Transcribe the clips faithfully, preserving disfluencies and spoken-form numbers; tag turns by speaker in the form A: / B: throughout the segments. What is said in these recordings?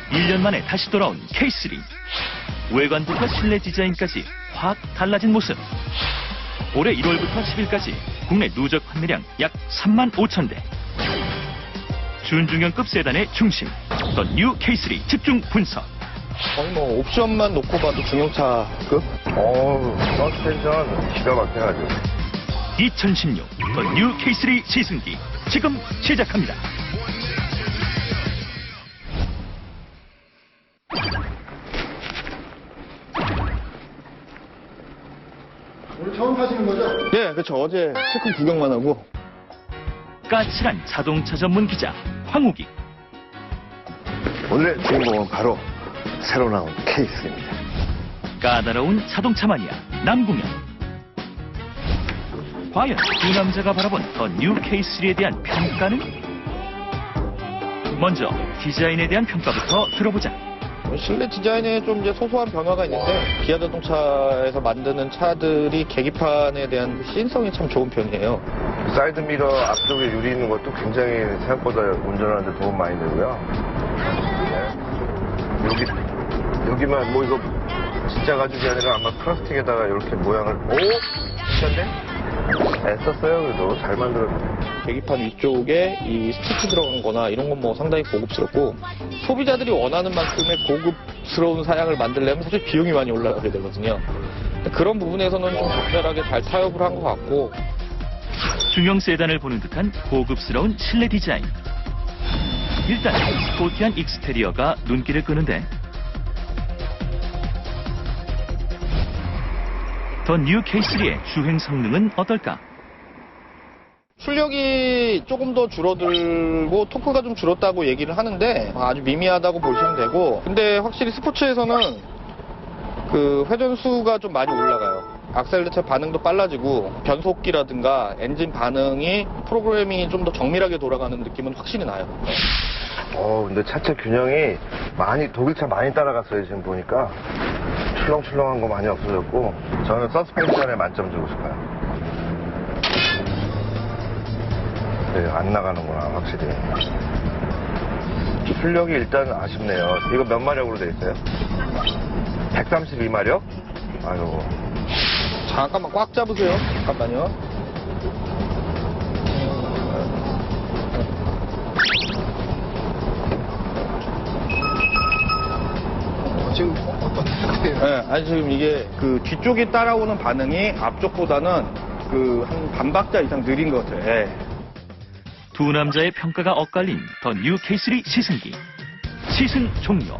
A: 일 년 만에 다시 돌아온 케이 쓰리. 외관부터 실내 디자인까지 확 달라진 모습. 올해 일월부터 십일까지 국내 누적 판매량 약 삼만 오천 대. 준중형급 세단의 중심, 더 뉴 케이 쓰리 집중 분석.
B: 거의 뭐 옵션만 놓고 봐도 중형차급?
C: 어우, 서스펜션 기가 막혀가지고.
A: 이천십육 더 뉴 케이 쓰리 시승기 지금 시작합니다.
B: 오늘 처음 타시는 거죠? 네, 그렇죠. 어제 체크 구경만 하고.
A: 까칠한 자동차 전문 기자 황우기.
C: 오늘의 주인공은 바로 새로 나온 케이 쓰리입니다.
A: 까다로운 자동차 마니아 남궁현. 과연 두 남자가 바라본 더 뉴 케이 쓰리에 대한 평가는? 먼저 디자인에 대한 평가부터 들어보자.
B: 실내 디자인에 좀 이제 소소한 변화가 있는데 기아 자동차에서 만드는 차들이 계기판에 대한 시인성이 참 좋은 편이에요.
C: 사이드 미러 앞쪽에 유리 있는 것도 굉장히 생각보다 운전하는데 도움 많이 되고요. 네. 여기, 여기만 뭐 이거 진짜 가죽이 아니라 아마 플라스틱에다가 이렇게 모양을. 오? 진짜인데? 애썼어요. 그래도 잘 만들었네.
B: 계기판 위쪽에 이 스티치 들어간 거나 이런 건 뭐 상당히 고급스럽고 소비자들이 원하는 만큼의 고급스러운 사양을 만들려면 사실 비용이 많이 올라가게 되거든요. 그런 부분에서는 좀 적절하게 잘 타협을 한 것 같고.
A: 중형 세단을 보는 듯한 고급스러운 실내 디자인. 일단 스포티한 익스테리어가 눈길을 끄는데 더 뉴 케이 쓰리의 주행 성능은 어떨까?
B: 출력이 조금 더 줄어들고 토크가 좀 줄었다고 얘기를 하는데 아주 미미하다고 보시면 되고, 근데 확실히 스포츠에서는 그 회전수가 좀 많이 올라가요. 악셀레차 반응도 빨라지고 변속기라든가 엔진 반응이 프로그램이 좀 더 정밀하게 돌아가는 느낌은 확실히 나요.
C: 어, 근데 차체 균형이 많이, 독일차 많이 따라갔어요, 지금 보니까. 출렁출렁한 거 많이 없어졌고, 저는 서스펜션에 만점 주고 싶어요. 네, 안 나가는구나, 확실히. 출력이 일단 아쉽네요. 이거 몇 마력으로 돼 있어요? 백삼십이 마력? 아유.
B: 잠깐만 꽉 잡으세요. 잠깐만요. 지금 어떤 상태예요? 네, 아니 지금 이게 그 뒤쪽이 따라오는 반응이 앞쪽보다는 그 한 반박자 이상 느린 것 같아요. 네.
A: 두 남자의 평가가 엇갈린 더 뉴 케이 쓰리 시승기. 시승 종료.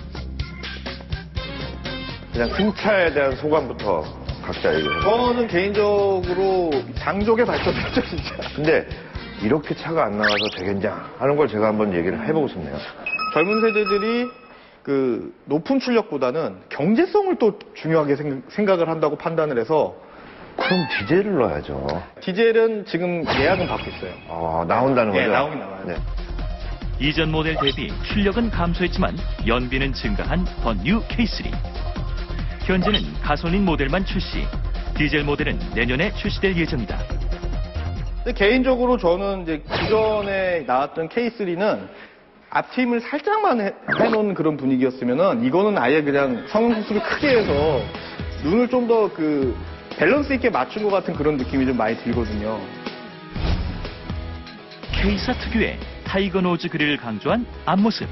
C: 그냥 승차에 대한 소감부터 각자 얘기해요.
B: 저는 개인적으로 장족의 발전했죠, 진짜.
C: 근데 이렇게 차가 안 나가서 되겠냐 하는 걸 제가 한번 얘기를 해보고 싶네요.
B: 젊은 세대들이 그 높은 출력보다는 경제성을 또 중요하게 생각을 한다고 판단을 해서.
C: 그럼 디젤을 넣어야죠.
B: 디젤은 지금 예약은 받고 있어요.
C: 아, 나온다는 거죠?
B: 네, 나오긴 나와요.
C: 네.
A: 이전 모델 대비 출력은 감소했지만 연비는 증가한 더 뉴 케이 쓰리. 현재는 가솔린 모델만 출시, 디젤 모델은 내년에 출시될 예정이다.
B: 근데 개인적으로 저는 이제 기존에 나왔던 케이 쓰리는 앞트임을 살짝만 해, 해놓은 그런 분위기였으면은 이거는 아예 그냥 성능 수습을 크게 해서 눈을 좀 더 그 밸런스 있게 맞춘 것 같은 그런 느낌이 좀 많이 들거든요.
A: K사 특유의 타이거 노즈 그릴을 강조한 앞모습.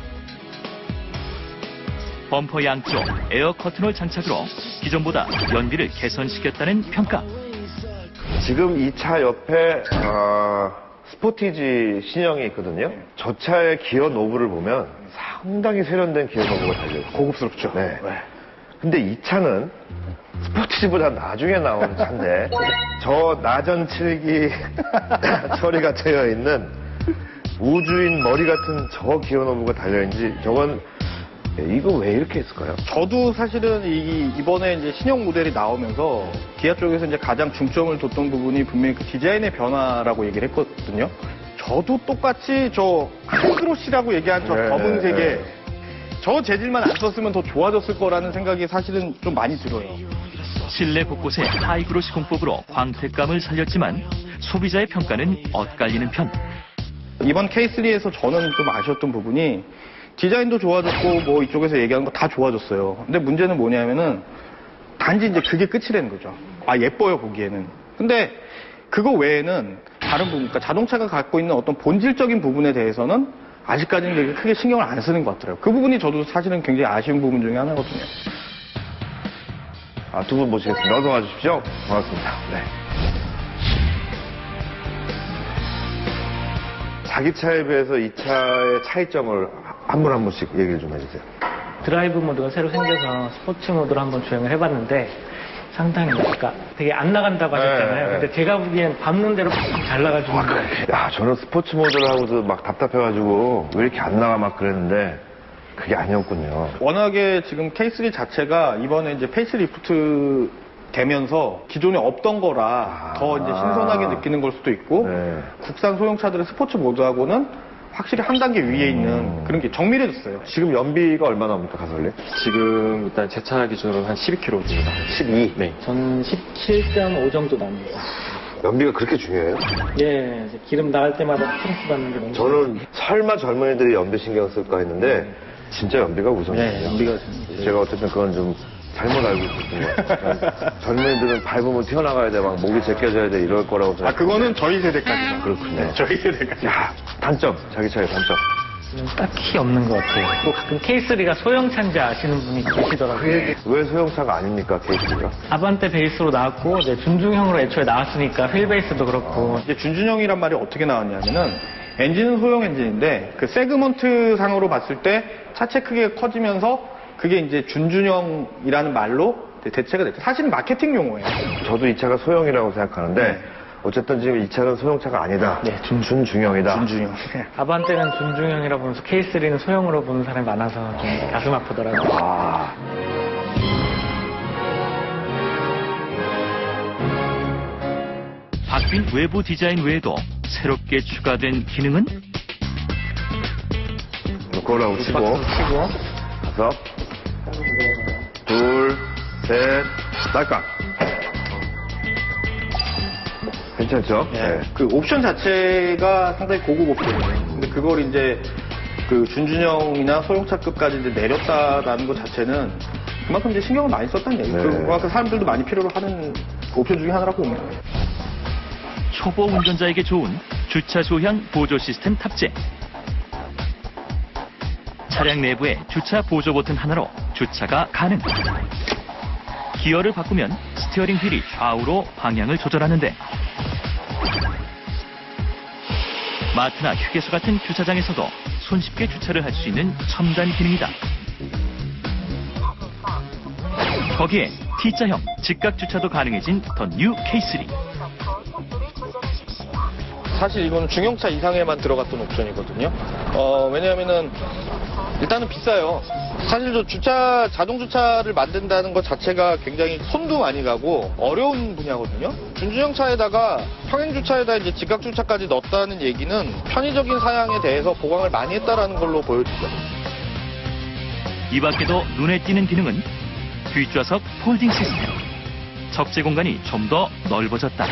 A: 범퍼 양쪽 에어 커튼홀 장착으로 기존보다 연비를 개선시켰다는 평가.
C: 지금 이 차 옆에 어, 스포티지 신형이 있거든요. 저 차의 기어 노브를 보면 상당히 세련된 기어 노브가 달려있어요.
B: 고급스럽죠.
C: 네. 근데 이 차는 스포티지보다 나중에 나온 차인데 저 나전 칠기 처리가 되어 있는 우주인 머리 같은 저 기어 노브가 달려있는지 저건 이거 왜 이렇게 했을까요?
B: 저도 사실은 이, 이번에 이제 신형 모델이 나오면서 기아 쪽에서 이제 가장 중점을 뒀던 부분이 분명히 그 디자인의 변화라고 얘기를 했거든요. 저도 똑같이 저 하이그로시라고 얘기한 저
C: 네,
B: 검은색에
C: 네.
B: 저 재질만 안 썼으면 더 좋아졌을 거라는 생각이 사실은 좀 많이 들어요.
A: 실내 곳곳에 하이그로시 공법으로 광택감을 살렸지만 소비자의 평가는 엇갈리는 편.
B: 이번 케이 쓰리에서 저는 좀 아쉬웠던 부분이 디자인도 좋아졌고 뭐 이쪽에서 얘기하는 거 다 좋아졌어요. 근데 문제는 뭐냐면은 단지 이제 그게 끝이라는 거죠. 아 예뻐요 보기에는. 근데 그거 외에는 다른 부분, 그러니까 자동차가 갖고 있는 어떤 본질적인 부분에 대해서는 아직까지는 되게 크게 신경을 안 쓰는 것 같더라고요. 그 부분이 저도 사실은 굉장히 아쉬운 부분 중에 하나거든요.
C: 아, 두 분 모시겠습니다. 어서 와주십시오. 반갑습니다. 네. 자기 차에 비해서 이 차의 차이점을 한 분 한 분씩 얘기를 좀 해주세요.
D: 드라이브 모드가 새로 생겨서 스포츠 모드로 한번 주행을 해봤는데 상당히 뭐랄까 되게 안 나간다고 하셨잖아요.
C: 네, 네.
D: 근데 제가 보기엔 밟는 대로 잘 나가지고
C: 아, 그래. 야, 저는 스포츠 모드를 하고도 막 답답해가지고 왜 이렇게 안 나가 막 그랬는데 그게 아니었군요.
B: 워낙에 지금 케이 쓰리 자체가 이번에 이제 페이스리프트 되면서 기존에 없던 거라
C: 아.
B: 더 이제 신선하게 느끼는 걸 수도 있고
C: 네.
B: 국산 소형차들의 스포츠 모드하고는 확실히 한 단계 위에 있는 그런 게 정밀해졌어요.
C: 지금 연비가 얼마나 옵니까, 가솔린?
E: 지금 일단 제 차 기준으로 한 십이 킬로미터입니다.
C: 십이.
E: 네.
D: 저는 십칠 점 오 정도 납니다.
C: 연비가 그렇게 중요해요?
D: 예, 이제 기름 나갈 때마다 스트레스 받는 게 너무
C: 저는 설마 젊은이들이 연비 신경 쓸까 했는데 진짜 연비가 우선이에요.
B: 네, 연비가
C: 제가 어쨌든 그건 좀 잘못 알고 있었던 것 같아요. 젊은이들은 밟으면 튀어나가야 돼, 막 목이 제껴져야 돼 이럴 거라고
B: 아
C: 생각.
B: 그거는 저희 세대까지만.
C: 그렇군요.
B: 저희 세대까지.
C: 야, 단점, 자기 차의 단점.
D: 딱히 없는 것 같아요. 또 가끔 케이 쓰리가 소형차인지 아시는 분이 계시더라고요.
C: 왜 소형차가 아닙니까, 케이스가?
D: 아반떼 베이스로 나왔고 이제 준중형으로 애초에 나왔으니까 휠 베이스도 그렇고
B: 이제 준준형이란 말이 어떻게 나왔냐면은 엔진은 소형 엔진인데 그 세그먼트 상으로 봤을 때 차체 크기가 커지면서 그게 이제 준준형이라는 말로 대체가 됐죠. 사실은 마케팅 용어예요.
C: 저도 이 차가 소형이라고 생각하는데
B: 네.
C: 어쨌든 지금 이 차는 소형차가 아니다.
D: 네, 준-
C: 준중형이다.
B: 준준형.
D: 아반떼는 준중형이라 보면서 케이 쓰리는 소형으로 보는 사람이 많아서 좀 가슴 아프더라고요.
C: 아,
A: 바뀐 외부 디자인 외에도 새롭게 추가된 기능은
C: 그거라고 치고
D: 치고
C: 다섯, 둘, 셋, 딸깍. 괜찮죠?
B: 네. 그 옵션 자체가 상당히 고급 옵션이에요. 근데 그걸 이제 그 준준형이나 소형차급까지 이제 내렸다라는 것 자체는 그만큼 이제 신경을 많이 썼다는 얘기죠.
C: 네.
B: 그만큼 사람들도 많이 필요로 하는 옵션 중에 하나라고 봅니다.
A: 초보 운전자에게 좋은 주차 소향 보조 시스템 탑재. 차량 내부에 주차 보조 버튼 하나로 주차가 가능. 기어를 바꾸면 스티어링 휠이 좌우로 방향을 조절하는데 마트나 휴게소 같은 주차장에서도 손쉽게 주차를 할 수 있는 첨단 기능이다. 거기에 T자형 직각 주차도 가능해진 더 뉴 케이 쓰리.
B: 사실 이거는 중형차 이상에만 들어갔던 옵션이거든요. 어, 왜냐하면은 일단은 비싸요. 사실 저 주차, 자동 주차를 만든다는 것 자체가 굉장히 손도 많이 가고 어려운 분야거든요. 준준형 차에다가 평행 주차에다 이제 직각 주차까지 넣었다는 얘기는 편의적인 사양에 대해서 보강을 많이 했다라는 걸로 보여지죠.
A: 이 밖에도 눈에 띄는 기능은 뒷좌석 폴딩 시스템. 적재 공간이 좀 더 넓어졌다.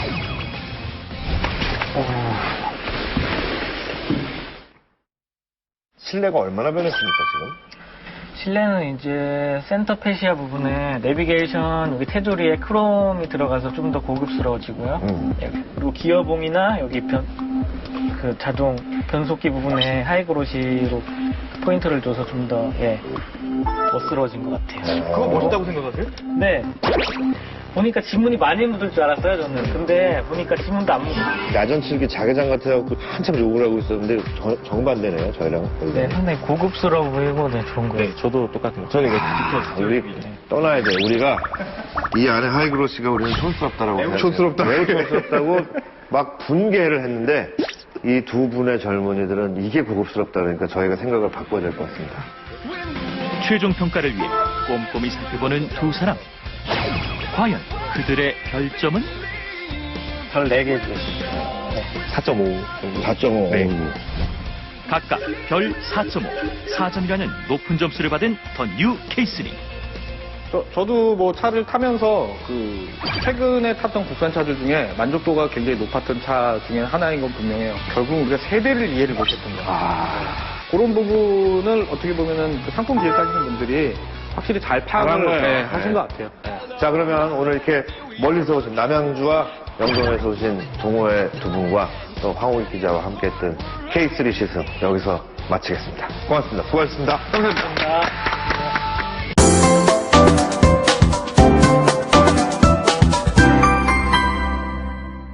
C: 실내가 얼마나 변했습니까, 지금?
D: 실내는 이제 센터 페시아 부분에 내비게이션 여기 테두리에 크롬이 들어가서 좀 더 고급스러워지고요.
C: 음.
D: 예, 그리고 기어봉이나 여기 변, 그 자동 변속기 부분에 하이그로시로 포인트를 줘서 좀 더 예, 멋스러워진 것 같아요.
B: 그거 멋있다고 생각하세요?
D: 네. 보니까 지문이 많이 묻을 줄 알았어요, 저는. 근데 보니까 지문도 안 묻어요.
C: 야전 칠기 자개장 같아갖고 한참 욕을 하고 있었는데 저- 정반대네요, 저희랑.
D: 네, 상당히 고급스러워 보이고 네, 좋은 거예요.
E: 저도 똑같은 거.
C: 저는 이거 우리 떠나야 돼. 우리가 이 안에 하이그로시가 우리는 촌스럽다라고.
B: 매우
C: 생각해요.
B: 촌스럽다.
C: 매우 촌스럽다고 막 분개를 했는데 이 두 분의 젊은이들은 이게 고급스럽다 그러니까 저희가 생각을 바꿔야 될 것 같습니다.
A: 최종 평가를 위해 꼼꼼히 살펴보는 두 사람. 과연 그들의 별점은?
D: 별 네 개 주겠습니다.
E: 사 점 오.
C: 사 점 오.
E: 네.
A: 각각 별 사 점 오, 사 점이라는 높은 점수를 받은 더 뉴 케이 쓰리.
B: 저, 저도 뭐 차를 타면서 그 최근에 탔던 국산차들 중에 만족도가 굉장히 높았던 차 중에 하나인 건 분명해요. 결국 우리가 세대를 이해를 못했던 거예요.
C: 아,
B: 그런 부분을 어떻게 보면은 그 상품 기획하시는 분들이 확실히 잘
C: 잘한
B: 파악을
C: 거예요.
B: 네, 하신
C: 네.
B: 것 같아요. 네.
C: 자, 그러면 오늘 이렇게 멀리서 오신 남양주와 영동에서 오신 동호회 두 분과 또 황호기 기자와 함께 했던 케이 쓰리 시승 여기서 마치겠습니다. 고맙습니다. 수고하셨습니다.
B: 감사합니다.